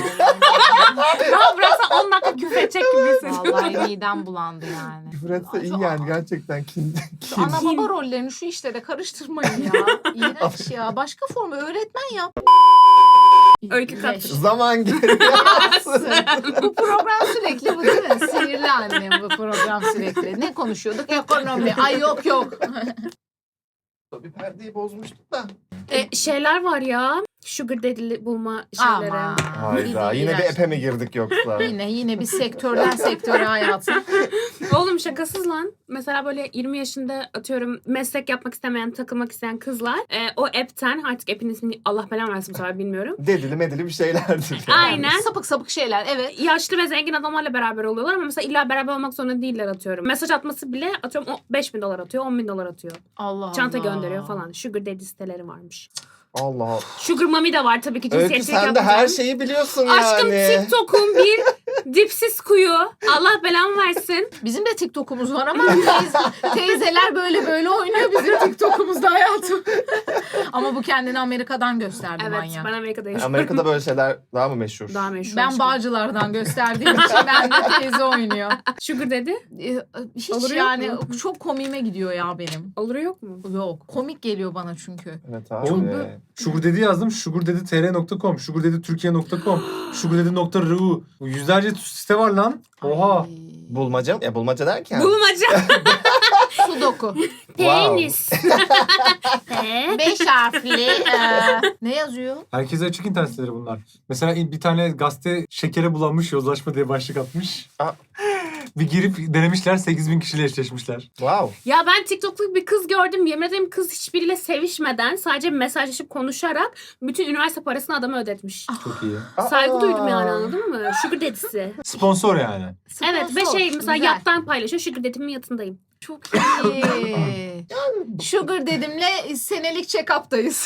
Speaker 2: Ya bıraksa on dakika küfür edecek gibi hissediyorum.
Speaker 1: Vallahi midem bulandı yani.
Speaker 3: Küfür etse iyi
Speaker 1: Şu-
Speaker 3: yani gerçekten kin.
Speaker 1: Şu
Speaker 3: kin.
Speaker 1: ana baba rollerini şu işlere karıştırmayın ya. İğrenç ya. Başka formu öğretmen yap.
Speaker 2: Öykü katır.
Speaker 1: Leş.
Speaker 3: Zaman geriye aksın.
Speaker 1: Bu program sürekli bu değil mi? Sinirli annem bu program sürekli. Ne konuşuyorduk? Ekonomi. Ay yok yok.
Speaker 3: Bir perdeyi bozmuştuk da.
Speaker 2: E, şeyler var ya. Sugar daddy bulma şeyleri.
Speaker 1: Aman.
Speaker 3: Hayda yine bir
Speaker 1: İğrenç.
Speaker 3: epe mi girdik yoksa?
Speaker 1: Yine yine bir sektörden sektöre hayatım.
Speaker 2: Oğlum şakasız lan. Mesela böyle yirmi yaşında atıyorum meslek yapmak istemeyen, takılmak isteyen kızlar e, o app'ten artık app'in ismini Allah belanı versin bu sefer bilmiyorum.
Speaker 3: Dedili medili bir şeylerdir. Yani.
Speaker 2: Aynen.
Speaker 1: Sapık sapık şeyler evet.
Speaker 2: Yaşlı ve zengin adamlarla beraber oluyorlar ama mesela illa beraber olmak zorunda değiller atıyorum. Mesaj atması bile atıyorum o beş bin dolar atıyor, on bin dolar atıyor.
Speaker 1: Allah
Speaker 2: Çanta
Speaker 1: Allah.
Speaker 2: gönderiyor falan. Sugar daddy siteleri varmış.
Speaker 3: Allah Allah.
Speaker 2: Sugar mommy de var tabii ki
Speaker 3: Öykü
Speaker 2: cinsiyetçilik
Speaker 3: sen de
Speaker 2: yapacağım.
Speaker 3: her şeyi biliyorsun
Speaker 2: Aşkım
Speaker 3: yani.
Speaker 2: TikTok'un bir dipsiz kuyu. Allah belamı versin.
Speaker 1: Bizim de TikTok'umuz var ama teyze, teyzeler böyle böyle oynuyor bizim TikTok'umuzda hayatım. Ama bu kendini Amerika'dan gösterdi
Speaker 2: Evet
Speaker 1: manyak.
Speaker 2: ben Amerika'da yaşıyorum.
Speaker 3: Amerika'da böyle şeyler daha mı meşhur?
Speaker 2: Daha meşhur.
Speaker 1: Ben
Speaker 2: aşkım.
Speaker 1: Bağcılar'dan gösterdiğim için ben de teyze oynuyor.
Speaker 2: Sugar dedi.
Speaker 1: Ee, Hiç
Speaker 2: Olur yok
Speaker 1: yani
Speaker 2: mu?
Speaker 1: çok komiğime gidiyor ya benim.
Speaker 2: Olur yok mu?
Speaker 1: Yok. Komik geliyor bana çünkü.
Speaker 3: Evet abi.
Speaker 4: Oğlum, Sugar Daddy yazdım. sugar daddy t r nokta com, sugar daddy türkiye nokta com, sugar daddy nokta r u. Yüzlerce site var lan. Oha.
Speaker 1: Ay.
Speaker 3: Bulmaca, ya bulmaca derken.
Speaker 2: Bulmaca.
Speaker 1: Sudoku.
Speaker 2: Penis. He?
Speaker 1: Beş harfli. e, ne yazıyor?
Speaker 4: Herkese açık internet siteleri bunlar. Mesela bir tane gazete şekere bulanmış yozlaşma diye başlık atmış.
Speaker 3: Aa.
Speaker 4: Bir girip denemişler, sekiz bin kişiyle eşleşmişler.
Speaker 3: Wow.
Speaker 2: Ya ben TikTok'ta bir kız gördüm. Yemin ederim kız hiçbiriyle sevişmeden sadece mesajlaşıp konuşarak bütün üniversite parasını adama ödetmiş.
Speaker 4: Çok iyi.
Speaker 2: Saygı
Speaker 3: Aa.
Speaker 2: duydum yani anladın mı? Sugar daddy'si.
Speaker 4: Sponsor yani.
Speaker 2: Evet ve
Speaker 1: Sponsor.
Speaker 2: şey mesela
Speaker 1: Güzel.
Speaker 2: yattan paylaşıyor. Sugar daddy'min yatındayım.
Speaker 1: Çok iyi. Sugar dedimle senelik check-up'tayız.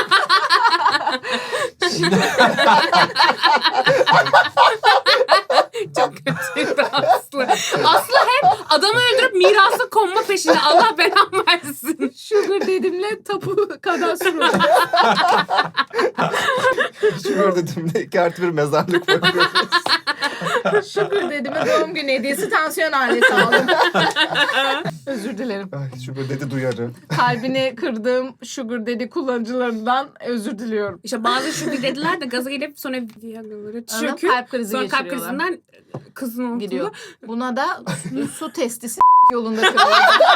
Speaker 2: Çok kötü Aslı. Aslı hep adamı öldürüp mirası konma peşinde. Allah belamı versin.
Speaker 1: Sugar dedimle tapu kadastro.
Speaker 3: Sugar dediğimde iki artı bir mezarlık bakıyoruz.
Speaker 1: Sugar dedime doğum günü hediyesi tansiyon aleti aldım. Özür dilerim.
Speaker 3: Ay, Sugar dedi duyarı.
Speaker 1: Kalbini kırdığım Sugar Daddy kullanıcılarından özür diliyorum.
Speaker 2: İşte bazı sugar daddy'ler de gaza gelip sonra Viagra'ları
Speaker 1: Anladın?
Speaker 2: çöküp
Speaker 1: Kalp krizi
Speaker 2: sonra kalp
Speaker 1: geçiriyorlar.
Speaker 2: krizinden kızın altında.
Speaker 1: Gidiyor. Buna da su, su testisi yolunda kırılıyor.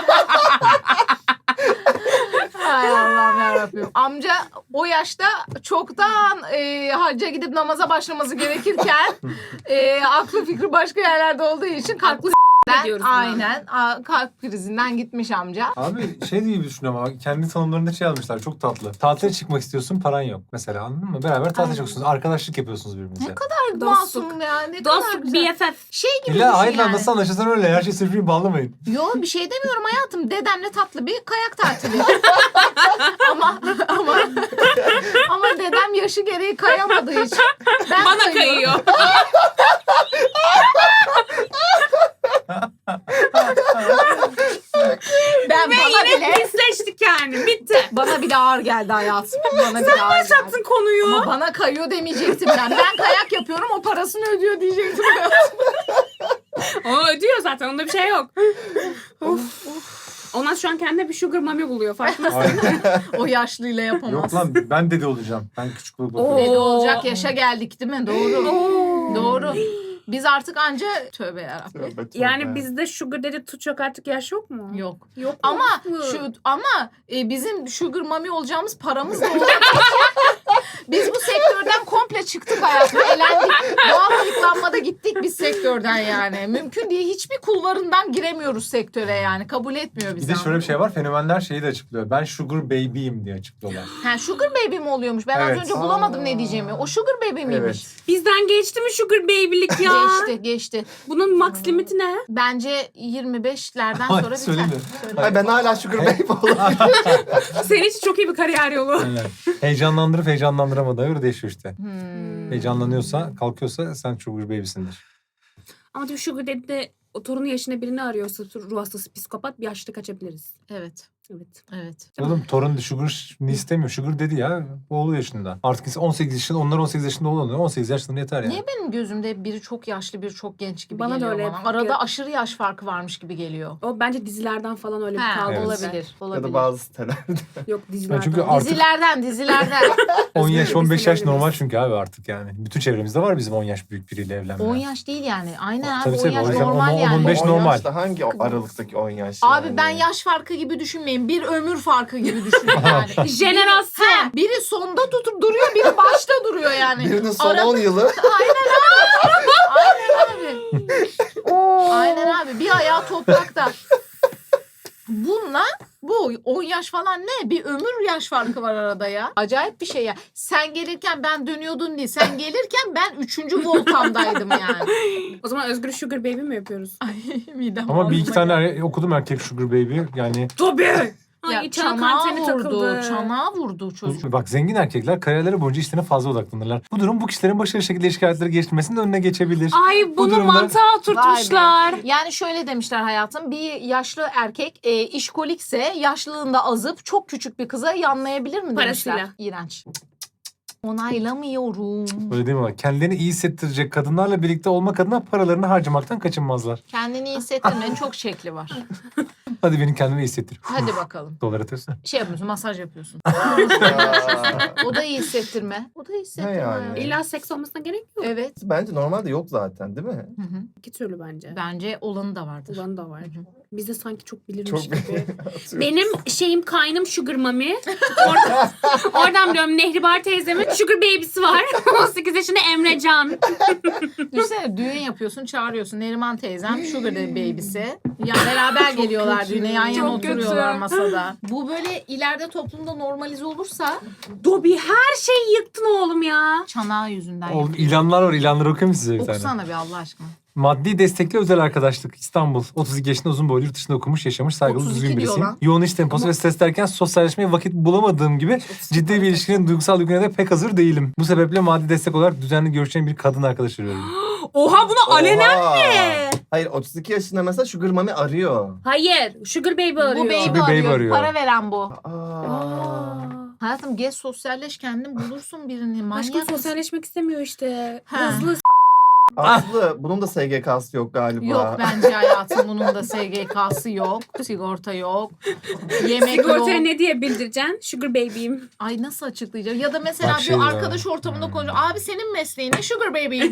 Speaker 1: Ay Allah'ım yarabbim. Amca o yaşta çoktan e, hacca gidip namaza başlaması gerekirken e, aklı fikri başka yerlerde olduğu için kalp
Speaker 2: Haklı
Speaker 1: krizinden,
Speaker 2: diyoruz buna.
Speaker 1: aynen a, kalp krizinden gitmiş amca.
Speaker 4: Abi şey diye düşünüyorum ama kendi tanımlarında şey yazmışlar çok tatlı. Tatile çıkmak istiyorsun paran yok mesela anladın mı? Beraber tatile
Speaker 1: Aynen.
Speaker 4: çıkıyorsunuz. Arkadaşlık yapıyorsunuz birbirinize.
Speaker 1: Ne kadar
Speaker 2: Dostluk.
Speaker 1: masum ya. Ne kadar
Speaker 2: Dostluk
Speaker 1: güzel.
Speaker 2: B F F.
Speaker 1: Şey gibi
Speaker 4: İlla
Speaker 1: düşün
Speaker 4: hayır lan
Speaker 1: yani.
Speaker 4: nasıl anlaşırsan öyle. Her şey sırf bağlamayın.
Speaker 1: Yo bir şey demiyorum hayatım. Dedemle tatlı bir kayak tatili. ama ama ama dedem yaşı gereği kayamadığı için ben
Speaker 2: Bana
Speaker 1: kayıyorum.
Speaker 2: kayıyor.
Speaker 1: Ben
Speaker 2: Ve
Speaker 1: bana
Speaker 2: yine
Speaker 1: bile
Speaker 2: pisleştik yani. Bitti.
Speaker 1: bana bile ağır geldi hayatım. Bana bile ağır geldi.
Speaker 2: Başlattın konuyu.
Speaker 1: Ama bana kayıyor demeyecektim ben. Ben kayak yapıyorum o parasını ödüyor diyecektim hayatım.
Speaker 2: O ödüyor zaten. Onda bir şey yok. of. Ondan şu an kendine bir sugar mami buluyor. Farkındasın.
Speaker 4: Aynen.
Speaker 1: O yaşlıyla yapamaz.
Speaker 4: Yok lan ben dede olacağım. Ben küçük baba
Speaker 2: Oo.
Speaker 4: bakıyorum.
Speaker 1: Dede olacak yaşa geldik değil mi? Doğru.
Speaker 2: Oo.
Speaker 1: Doğru. Biz artık anca tövbe yarabbim.
Speaker 3: Tövbe, tövbe.
Speaker 2: Yani bizde sugar dedi tutacak artık yaş yok mu?
Speaker 1: Yok.
Speaker 2: Yok.
Speaker 1: Ama
Speaker 2: mu?
Speaker 1: şu ama e, bizim sugar mami olacağımız paramız da olduğu için biz bu sektörden komple çıktık hayatım. Elendik. Doğal ayıklanmada gittik biz sektörden yani. Mümkün değil. Hiçbir kulvarından giremiyoruz sektöre yani. Kabul etmiyor
Speaker 4: Bir
Speaker 1: bizi.
Speaker 4: de şöyle bir şey var. Fenomenler şeyi de açıklıyor. Ben sugar baby'yim diye açıklıyorlar.
Speaker 1: Ha, sugar baby mi oluyormuş? Ben
Speaker 4: Evet.
Speaker 1: az önce bulamadım
Speaker 3: Aa.
Speaker 1: ne diyeceğimi. O sugar baby miymiş?
Speaker 3: Evet.
Speaker 2: Bizden geçti mi sugar baby'lik ya?
Speaker 1: Geçti, geçti.
Speaker 2: Bunun max limiti ne?
Speaker 1: Bence yirmi beşlerden
Speaker 4: Hayır,
Speaker 1: sonra biter.
Speaker 4: söyleme.
Speaker 1: Söyle.
Speaker 3: Ay ben hala Sugar Baby olurum.
Speaker 2: Senin için çok iyi bir kariyer yolu.
Speaker 4: Aynen. Heyecanlandırıp heyecanlandıramadığı göre değişiyor işte.
Speaker 1: Hmm.
Speaker 4: Heyecanlanıyorsa, kalkıyorsa sen sugar baby'sindir.
Speaker 2: Ama diyor sugar dedi de o torunu yaşında birini arıyorsa ruh hastası psikopat bir yaşta kaçabiliriz.
Speaker 1: Evet,
Speaker 2: Evet.
Speaker 1: evet.
Speaker 4: Oğlum torun sugar ne istemiyor? Sugar dedi ya. Oğlu yaşında. Artık on sekiz yaşında, onlar on sekiz yaşında olanlar on sekiz yaşında yeter yani.
Speaker 1: Niye benim gözümde biri çok yaşlı, biri çok genç gibi
Speaker 2: Bana da
Speaker 1: geliyor
Speaker 2: öyle
Speaker 1: bana?
Speaker 2: hep-
Speaker 1: Arada aşırı yaş farkı varmış gibi geliyor.
Speaker 2: O bence dizilerden falan öyle bir
Speaker 1: Ha,
Speaker 2: kaldı.
Speaker 4: Evet.
Speaker 1: olabilir,
Speaker 3: Ya
Speaker 1: olabilir.
Speaker 3: da bazı sitelerde.
Speaker 2: Yok dizilerden.
Speaker 4: çünkü artık-
Speaker 1: Dizilerden, dizilerden.
Speaker 4: on yaş, on beş yaş
Speaker 2: Listelerimiz.
Speaker 4: normal çünkü abi artık yani. Bütün çevremizde var bizim on yaş büyük biriyle evlenme.
Speaker 1: on yaş değil yani. Aynen
Speaker 4: Tabii
Speaker 1: abi
Speaker 4: tabii,
Speaker 1: on yaş
Speaker 4: o yüzden
Speaker 1: normal
Speaker 4: on- on
Speaker 1: yani.
Speaker 4: beş
Speaker 3: on
Speaker 4: normal.
Speaker 3: yaşta hangi o aralıktaki on yaş
Speaker 1: Abi
Speaker 3: yani?
Speaker 1: ben yaş farkı gibi düşünmeyin. Bir ömür farkı gibi düşünün yani.
Speaker 2: Jenerasyon.
Speaker 1: Ha, biri sonda tutup duruyor, biri başta duruyor yani.
Speaker 3: Birinin son
Speaker 1: Arada-
Speaker 3: on yılı.
Speaker 1: Aynen abi. Aynen abi. Bir ayağı toprakta. Bununla bu on yaş falan ne? Bir ömür yaş farkı var arada ya. Acayip bir şey ya. Sen gelirken ben dönüyordun değil. Sen gelirken ben üçüncü voltamdaydım yani.
Speaker 2: O zaman Özgür sugar baby mi yapıyoruz?
Speaker 1: Ay midem
Speaker 4: Ama bir iki
Speaker 1: ağrıma
Speaker 4: tane er- okudum erkek sugar baby yani
Speaker 2: Tabii. Ay
Speaker 1: Ya
Speaker 2: çanağı
Speaker 1: çanağa
Speaker 2: anteni
Speaker 1: vurdu.
Speaker 2: takıldı.
Speaker 1: Çanağa vurdu çocuk.
Speaker 4: Bak zengin erkekler kariyerleri boyunca işlerine fazla odaklanırlar. Bu durum bu kişilerin başarılı şekilde ilişki hayatları geliştirmesinin önüne geçebilir.
Speaker 2: Ay bunu
Speaker 4: durumda-
Speaker 2: mantığa oturtmuşlar.
Speaker 1: Vay be. Yani şöyle demişler hayatım. Bir yaşlı erkek e, işkolikse yaşlılığında azıp çok küçük bir kıza yanlayabilir mi demişler.
Speaker 2: Parasıyla.
Speaker 1: İğrenç. Onaylamıyorum.
Speaker 4: Öyle değil mi? Bak, kendilerini iyi hissettirecek kadınlarla birlikte olmak adına paralarını harcamaktan kaçınmazlar.
Speaker 1: Kendini iyi hissettirmenin çok şekli var.
Speaker 4: Hadi beni kendime iyi hissettir.
Speaker 1: Hadi bakalım.
Speaker 4: Dolar atıyorsun.
Speaker 1: Şey yapıyorsun, masaj yapıyorsun.
Speaker 3: Ya.
Speaker 1: O da iyi hissettirme. O da iyi hissettirme.
Speaker 3: Ne yani?
Speaker 1: hayatım.
Speaker 2: İlla seks olmasına gerek yok.
Speaker 1: Evet.
Speaker 3: Bence normalde yok zaten değil mi?
Speaker 1: Hı hı.
Speaker 2: İki türlü bence.
Speaker 1: Bence olanı da vardır.
Speaker 2: Ulan da var.
Speaker 1: Hı hı.
Speaker 2: Biz de sanki çok bilirmiş
Speaker 3: Çok
Speaker 2: gibi.
Speaker 3: Atıyorum.
Speaker 2: Benim şeyim kaynım Sugar Mami. Oradan, oradan biliyorum Nehribar teyzemin Sugar Baby'si var. on sekiz yaşında Emrecan.
Speaker 1: Düşünsene düğün yapıyorsun, çağırıyorsun. Neriman teyzem, Sugar Daddy baby'si. Ya beraber geliyorlar
Speaker 3: kötü.
Speaker 1: düğüne, yan yana
Speaker 2: Çok kötü.
Speaker 1: oturuyorlar masada. Bu böyle ileride toplumda normalize olursa
Speaker 2: Dobi her şeyi yıktın oğlum ya.
Speaker 1: çanağı yüzünden
Speaker 4: Oğlum
Speaker 1: yapıyor.
Speaker 4: ilanlar var. İlanları okuyayım mı size bir tane?
Speaker 1: Okusana bir Allah aşkına.
Speaker 4: Maddi destekli özel arkadaşlık İstanbul. otuz iki yaşında uzun boylu yurt dışında okumuş, yaşamış, saygılı,
Speaker 1: otuz iki
Speaker 4: düzgün
Speaker 1: diyor
Speaker 4: birisiyim.
Speaker 1: lan.
Speaker 4: Yoğun iş temposu ve stres derken sosyalleşmeye vakit bulamadığım gibi ciddi bir ilişkinin duygusal yüküne de pek hazır değilim. Bu sebeple maddi destek olarak düzenli görüşeceğim bir kadın arkadaş arıyorum.
Speaker 2: Oha bunu alenen
Speaker 3: Oha.
Speaker 2: mi?
Speaker 3: Hayır otuz iki yaşında mesela Sugar Mami arıyor.
Speaker 2: Hayır. Sugar Baby arıyor.
Speaker 1: Bu baby,
Speaker 4: Sugar baby
Speaker 1: arıyor.
Speaker 4: arıyor.
Speaker 1: Para veren bu.
Speaker 3: Aa.
Speaker 2: Aa.
Speaker 1: Hayatım gez sosyalleş kendin bulursun birini. Manyak
Speaker 2: Aşkım
Speaker 1: mısın?
Speaker 2: sosyalleşmek istemiyor işte.
Speaker 1: Ha.
Speaker 2: Hızlı
Speaker 3: Aslı bunun da S G K'sı yok galiba.
Speaker 1: Yok bence hayatım bunun da S G K'sı yok. Sigorta yok. Yemek yok.
Speaker 2: sigortaya ne diye bildireceksin? Sugar Baby'yim.
Speaker 1: Ay nasıl açıklayacağım? Ya da mesela
Speaker 4: Bak
Speaker 1: bir
Speaker 4: şey ya.
Speaker 1: arkadaş ortamında
Speaker 4: Hmm.
Speaker 1: konuşuyor. Abi senin mesleğin ne? Sugar baby'yim.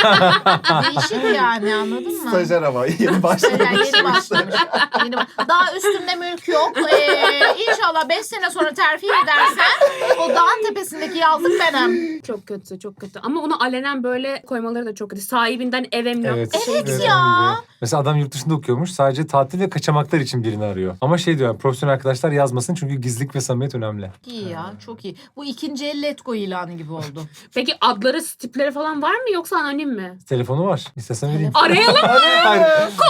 Speaker 1: Değişik yani anladın mı?
Speaker 3: Stajyer ama yeni başlamış.
Speaker 1: Yani yeni başlamış. Yeni baş- Daha üstünde mülk yok. Ee, inşallah beş sene sonra terfi edersen o dağın tepesindeki yazlık benim.
Speaker 2: Çok kötü, çok kötü. Ama bunu alenen böyle koymaları da çok kötü. Sahibinden ev emlak.
Speaker 4: Evet.
Speaker 1: Evet
Speaker 4: dediğim
Speaker 1: ya.
Speaker 4: gibi. Mesela adam yurt dışında okuyormuş. Sadece tatil ve kaçamaklar için birini arıyor. Ama şey diyor, yani, profesyonel arkadaşlar yazmasın çünkü gizlilik ve samimiyet önemli.
Speaker 1: İyi ya çok iyi. Bu ikinci el Let Go ilanı gibi oldu.
Speaker 2: Peki adları, tipleri falan var mı yoksa anonim mi?
Speaker 4: Telefonu var. İstersen vereyim.
Speaker 2: Arayalım.
Speaker 4: Hayır,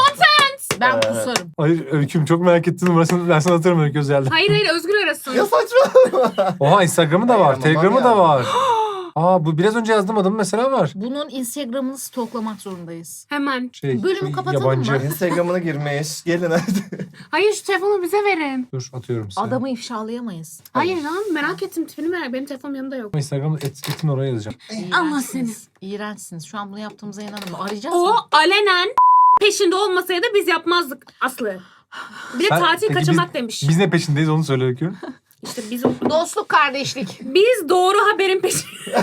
Speaker 1: Ben
Speaker 3: Ee,
Speaker 1: kusarım.
Speaker 4: hayır Öyküm çok merak ettim. Numarasını ben sana atarım Öykü Özel'de.
Speaker 2: Hayır hayır Özgür arasın.
Speaker 3: Ya saçma.
Speaker 4: Oha Instagram'ı da
Speaker 3: Hayır
Speaker 4: var.
Speaker 3: ama
Speaker 4: Telegram'ı
Speaker 3: var
Speaker 4: da
Speaker 3: ya.
Speaker 4: var. Aa bu biraz önce yazdığım adım mesela var.
Speaker 1: Bunun Instagram'ını stoklamak zorundayız.
Speaker 2: Hemen.
Speaker 4: Şey,
Speaker 1: Bölümü
Speaker 4: şu
Speaker 1: kapatalım
Speaker 4: yabancı.
Speaker 1: mı?
Speaker 3: Instagram'ına girmiş. Gelin hadi.
Speaker 2: Hayır şu telefonu bize verin.
Speaker 4: Dur atıyorum size.
Speaker 1: Adamı ifşalayamayız.
Speaker 2: Hayır lan merak ettim tipini merak. Benim telefonum yanımda yok.
Speaker 4: Instagram'da et, etin oraya yazacağım.
Speaker 2: Allah seni.
Speaker 1: İğrençsiniz. İğrençsiniz. Şu an bunu yaptığımıza inanamıyorum. Arayacağız
Speaker 2: O
Speaker 1: mı?
Speaker 2: alenen peşinde olmasaydı biz yapmazdık Aslı. Bir de
Speaker 4: Sen-
Speaker 2: tatil
Speaker 4: peki
Speaker 2: kaçamak
Speaker 4: biz-
Speaker 2: demiş.
Speaker 4: Biz ne peşindeyiz onu söyle Öykü.
Speaker 2: İşte biz
Speaker 1: Dostluk, kardeşlik.
Speaker 2: biz doğru haberin peşinde.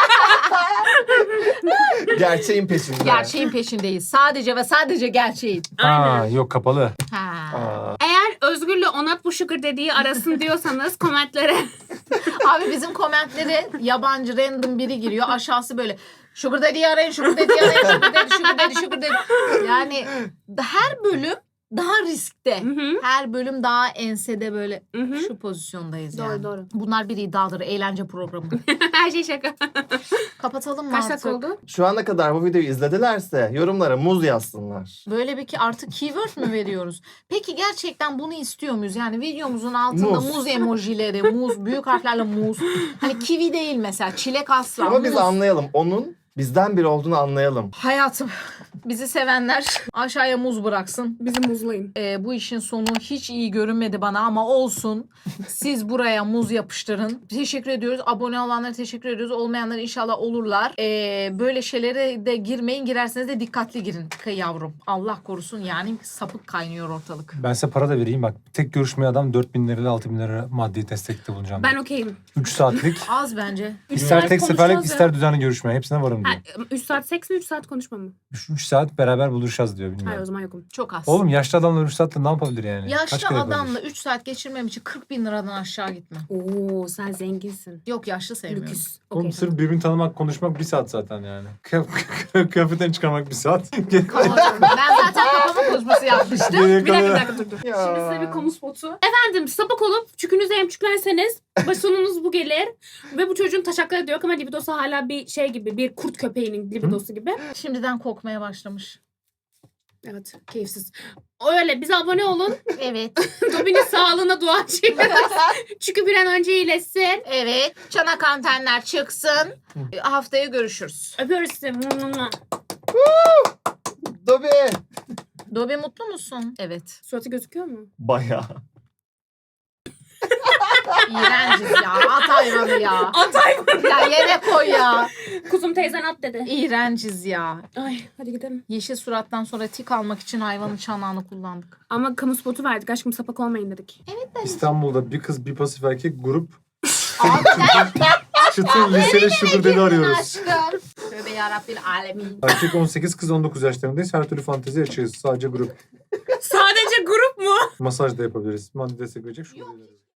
Speaker 3: Gerçeğin peşinde.
Speaker 1: Gerçeğin peşindeyiz. Sadece ve sadece gerçeğin.
Speaker 4: Aa yok kapalı.
Speaker 1: Ha.
Speaker 3: Aa.
Speaker 2: Eğer Özgür'le Onat bu sugar dediği arasın diyorsanız komentlere.
Speaker 1: Abi bizim komentleri yabancı random biri giriyor. Aşağısı böyle Sugar Daddy'yi arayın, Sugar Daddy'yi arayın, Sugar Daddy, Sugar Daddy, Sugar Daddy. Yani her bölüm daha riskte.
Speaker 2: Hı hı.
Speaker 1: Her bölüm daha ensede böyle
Speaker 2: Hı hı.
Speaker 1: şu pozisyondayız
Speaker 2: Doğru
Speaker 1: yani.
Speaker 2: doğru.
Speaker 1: Bunlar bir iddiadır, eğlence programı.
Speaker 2: Her şey şaka.
Speaker 1: Kapatalım mı
Speaker 2: Kaç
Speaker 1: artık?
Speaker 2: dakika oldu?
Speaker 3: Şu ana kadar bu videoyu izledilerse yorumlara muz yazsınlar.
Speaker 1: Böyle bir ki artık keyword mü veriyoruz? Peki gerçekten bunu istiyor muyuz? Yani videomuzun altında
Speaker 3: Muz.
Speaker 1: muz, emojileri, muz, büyük harflerle muz. Hani kivi değil mesela, çilek asla.
Speaker 3: Ama biz
Speaker 1: muz.
Speaker 3: anlayalım. Onun bizden biri olduğunu anlayalım.
Speaker 1: Hayatım, bizi sevenler aşağıya muz bıraksın.
Speaker 2: Bizi muzlayın.
Speaker 1: Ee, bu işin sonu hiç iyi görünmedi bana ama olsun. Siz buraya muz yapıştırın. Teşekkür ediyoruz. Abone olanlara teşekkür ediyoruz. Olmayanlar inşallah olurlar. Ee, böyle şeylere de girmeyin. Girerseniz de dikkatli girin Kı yavrum. Allah korusun yani sapık kaynıyor ortalık.
Speaker 4: Ben size para da vereyim bak. Tek görüşmeye adam dört bin lira ile altı bin lira maddi destekte bulunacağım.
Speaker 2: Ben okeyim.
Speaker 4: üç saatlik.
Speaker 1: Az bence.
Speaker 2: Üç
Speaker 4: İster
Speaker 2: saat
Speaker 4: tek
Speaker 2: konuşacağız
Speaker 4: seferlik
Speaker 2: ya.
Speaker 4: ister düzenli görüşme. Hepsine varım
Speaker 2: Ha,
Speaker 4: diyor.
Speaker 2: üç saat seks mi üç saat konuşma mı?
Speaker 4: üç saat beraber buluşacağız diyor.
Speaker 2: Hayır o
Speaker 4: Bilmiyorum.
Speaker 2: zaman yokum.
Speaker 1: Çok az.
Speaker 4: Oğlum yaşlı adamlar üç saatte ne yapabilir yani? Kaç
Speaker 1: Yaşlı
Speaker 4: kere
Speaker 1: adamla
Speaker 4: yapabilir?
Speaker 1: üç saat geçirmem için kırk bin liradan aşağı gitme.
Speaker 2: Oo sen zenginsin.
Speaker 1: Yok yaşlı sevmiyorum.
Speaker 2: Lüküs.
Speaker 4: Oğlum
Speaker 2: Okey,
Speaker 4: sırf birbirini tanımak, konuşmak bir saat zaten yani. Kıyaf- Kıyafetten çıkarmak bir saat.
Speaker 1: Tamam. Ben zaten kafama konuşması yapmıştım.
Speaker 4: Geriye
Speaker 2: Bir dakika bir
Speaker 4: kalan-
Speaker 2: dakika dur dur.
Speaker 3: Ya.
Speaker 2: Şimdi size bir kamu spotu. Efendim sapık olup çükünüzü emçüklerseniz sonunuz bu gelir. Ve bu çocuğun taşakları diyor ama libidosu hala bir şey gibi bir kurt köpeğinin libidosu gibi.
Speaker 1: Şimdiden kokmaya başlamış.
Speaker 2: Evet, keyifsiz. Öyle, bize abone olun.
Speaker 1: Evet.
Speaker 2: Dobby'nin sağlığına dua ediyoruz. Çünkü bir an önce iyileşsin.
Speaker 1: Evet. Çanak antenler çıksın. Haftaya görüşürüz.
Speaker 2: Öpüyoruz sizi.
Speaker 3: Dobby.
Speaker 1: Dobby mutlu musun? Evet.
Speaker 2: Suratı gözüküyor mu?
Speaker 3: Bayağı.
Speaker 1: İğrenciz ya. At hayvanı ya.
Speaker 2: Atay
Speaker 1: Ya yere koy ya.
Speaker 2: Kuzum teyzen at dedi.
Speaker 1: İğrenciz ya.
Speaker 2: Ay hadi gidelim.
Speaker 1: Yeşil surattan sonra tik almak için hayvanın çanağını kullandık.
Speaker 2: Ama kamu spotu verdik. Aşkım sapak olmayın dedik.
Speaker 4: İstanbul'da bir kız bir pasif erkek grup
Speaker 1: Abi
Speaker 4: çıtır liseli şudur dedi arıyoruz.
Speaker 1: aşkım. Tövbe yarabbim alemin.
Speaker 4: Erkek on sekiz kız on dokuz yaşlarındayız. Her türlü fantezi açığız. Sadece grup.
Speaker 2: Sadece grup mu?
Speaker 4: Masaj da yapabiliriz. Maddi destek verecek. Şurada